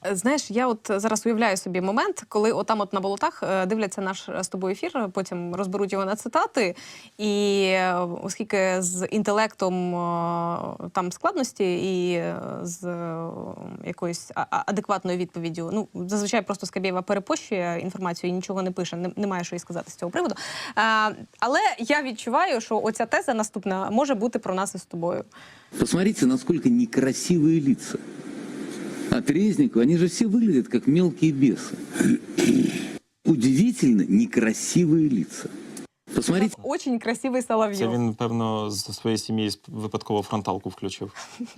Знаєш, я от зараз уявляю собі момент, коли отам от на болотах дивляться наш з тобою ефір, потім розберуть його на цитати, і оскільки з інтелектом там складності і з якоюсь адекватною відповіддю, ну, зазвичай просто Скабєєва перепощує інформацію і нічого не пише, немає що їй сказати з цього приводу. Але я відчуваю, що оця теза наступна може бути про нас із тобою. Посмотрите, насколько некрасивые лица. От Резникова, они же все выглядят как мелкие бесы. Удивительно некрасивые лица. Посмотрите. Очень красивий Соловйов. Це він, певно, з своєї сім'ї випадково фронталку включив.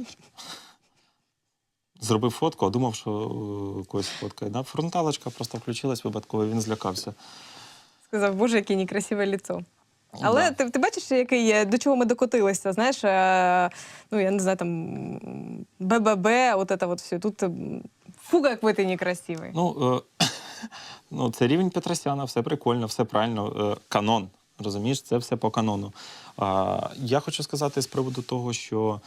Зробив фотку, а думав, що когось фоткає. Да? Фронталочка просто включилась випадково, він злякався. Сказав, боже, яке некрасиве лицо. Але ти бачиш, який, до чого ми докотилися, знаєш, ну, я не знаю, там, БББ, от це от все. Тут фу, як ви ти некрасивий. Ну, це рівень Петросяна, все прикольно, все правильно. Канон, розумієш, це все по канону. Я хочу сказати з приводу того, що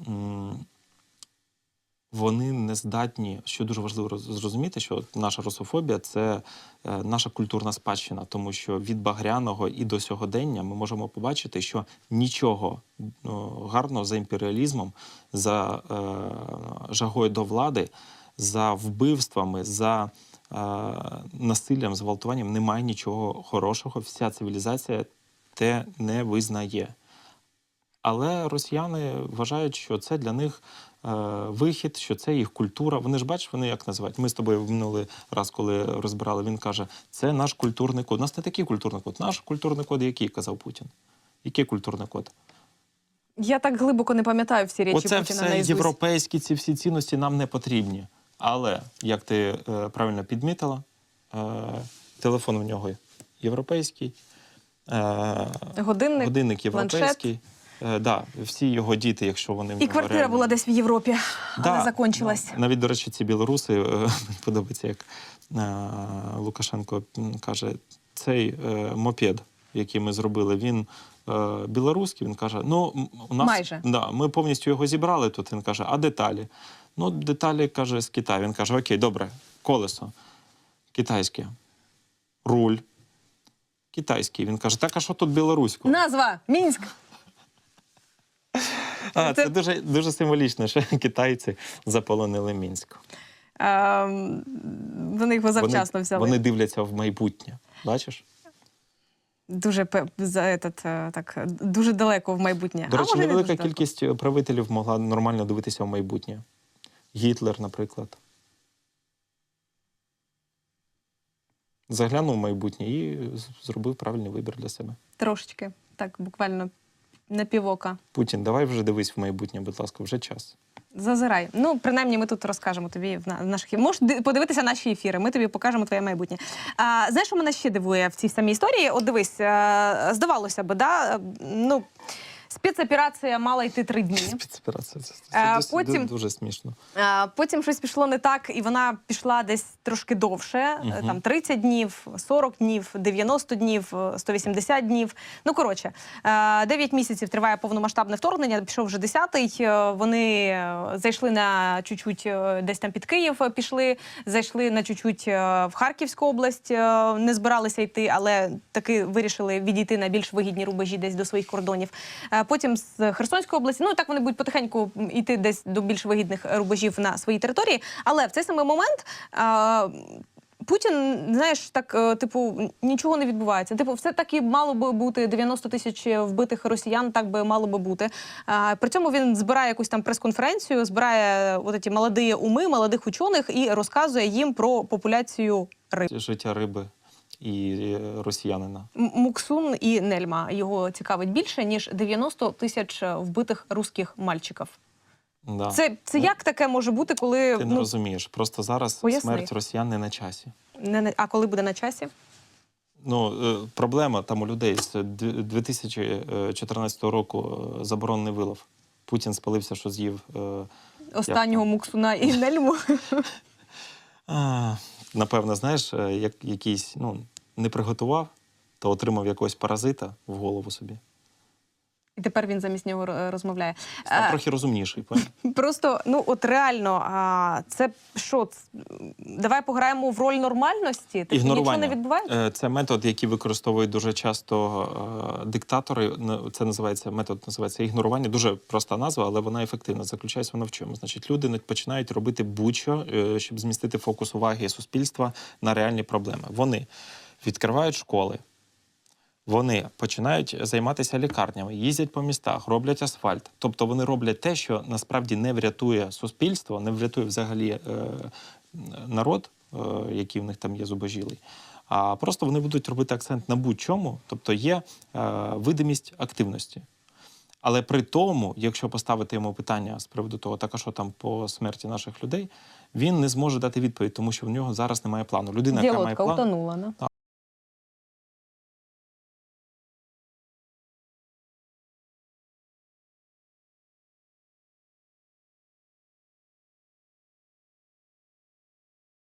вони не здатні, що дуже важливо зрозуміти, що наша русофобія – це наша культурна спадщина, тому що від Багряного і до сьогодення ми можемо побачити, що нічого гарного за імперіалізмом, за жагою до влади, за вбивствами, за насиллям, зґвалтуванням немає нічого хорошого. Вся цивілізація те не визнає. Але росіяни вважають, що це для них вихід, що це їх культура. Вони ж, бачиш, вони як називають? Ми з тобою в минулий раз, коли розбирали, він каже, це наш культурний код. У нас не такий культурний код. Наш культурний код який, казав Путін? Який культурний код? Я так глибоко не пам'ятаю всі речі Путіна наїзусть. Оце все європейські, ці всі цінності нам не потрібні. Але, як ти правильно підмітила, телефон у нього європейський, годинник європейський. Да, всі його діти, якщо вони... І квартира реально була десь в Європі, але закончилась. Навіть, до речі, ці білоруси, мені подобається, як Лукашенко каже, цей мопед, який ми зробили, він білоруський, він каже, ну, у нас... Майже. Да, ми повністю його зібрали тут, він каже, а деталі? Ну, деталі, каже, з Китаю. Він каже, окей, добре, колесо китайське, руль китайський. Він каже, так, а що тут білоруського? Назва – Мінськ. Це дуже, дуже символічно, що китайці заполонили Мінськ. Вони його завчасно взяли. Вони дивляться в майбутнє, бачиш? Дуже, дуже далеко в майбутнє. До речі, невелика кількість правителів могла нормально дивитися в майбутнє. Гітлер, наприклад. Заглянув в майбутнє і зробив правильний вибір для себе. Трошечки, так, буквально на півока. Путін, давай вже дивись в майбутнє, будь ласка, вже час. Зазирай. Ну, принаймні, ми тут розкажемо тобі в наших ефірах. Можеш подивитися наші ефіри, ми тобі покажемо твоє майбутнє. Знаєш, що мене ще дивує в цій самій історії? От дивись, здавалося б, да? Ну, спецоперація мала йти 3 дні. Спецоперація, це потім, дуже смішно. Потім щось пішло не так, і вона пішла десь трошки довше. Там 30 днів, 40 днів, 90 днів, 180 днів. Ну, коротше, 9 місяців триває повномасштабне вторгнення, пішов вже 10-й. Вони зайшли на чуть-чуть десь там під Київ, пішли, зайшли на чуть-чуть в Харківську область, не збиралися йти, але таки вирішили відійти на більш вигідні рубежі десь до своїх кордонів. Потім з Херсонської області, ну так вони будуть потихеньку йти десь до більш вигідних рубежів на своїй території. Але в цей самий момент Путін, знаєш, так, типу, нічого не відбувається. Типу, все так і мало би бути, 90 тисяч вбитих росіян, так би мало би бути. При цьому він збирає якусь там прес-конференцію, збирає от ці молоді уми, молодих учених і розказує їм про популяцію риб. Життя риби і росіянина. Муксун і Нельма його цікавить більше, ніж 90 тисяч вбитих русських мальчиків. Да. Це як таке може бути, коли... Ти не розумієш. Просто зараз смерть росіян не на часі. А коли буде на часі? Ну, проблема там у людей з 2014 року заборонений вилов. Путін спалився, що з'їв... Останнього Муксуна і Нельму. Напевно, знаєш, як якийсь, ну, не приготував, то отримав якогось паразита в голову собі. І тепер він замість нього розмовляє. Став трохи розумніший. Пані. Просто, ну от реально, це що? Давай пограємо в роль нормальності? Тобто нічого не відбувається? Це метод, який використовують дуже часто диктатори. Це метод називається ігнорування. Дуже проста назва, але вона ефективна. Заключається вона в чому? Значить, люди починають робити будь-що, щоб змістити фокус уваги суспільства на реальні проблеми. Вони відкривають школи. Вони починають займатися лікарнями, їздять по містах, роблять асфальт. Тобто вони роблять те, що насправді не врятує суспільство, не врятує взагалі народ, який в них там є зубожілий. А просто вони будуть робити акцент на будь-чому, тобто є видимість активності. Але при тому, якщо поставити йому питання з приводу того, так а що там по смерті наших людей, він не зможе дати відповідь, тому що в нього зараз немає плану. Людина, яка має Діалогка план, утонула, не?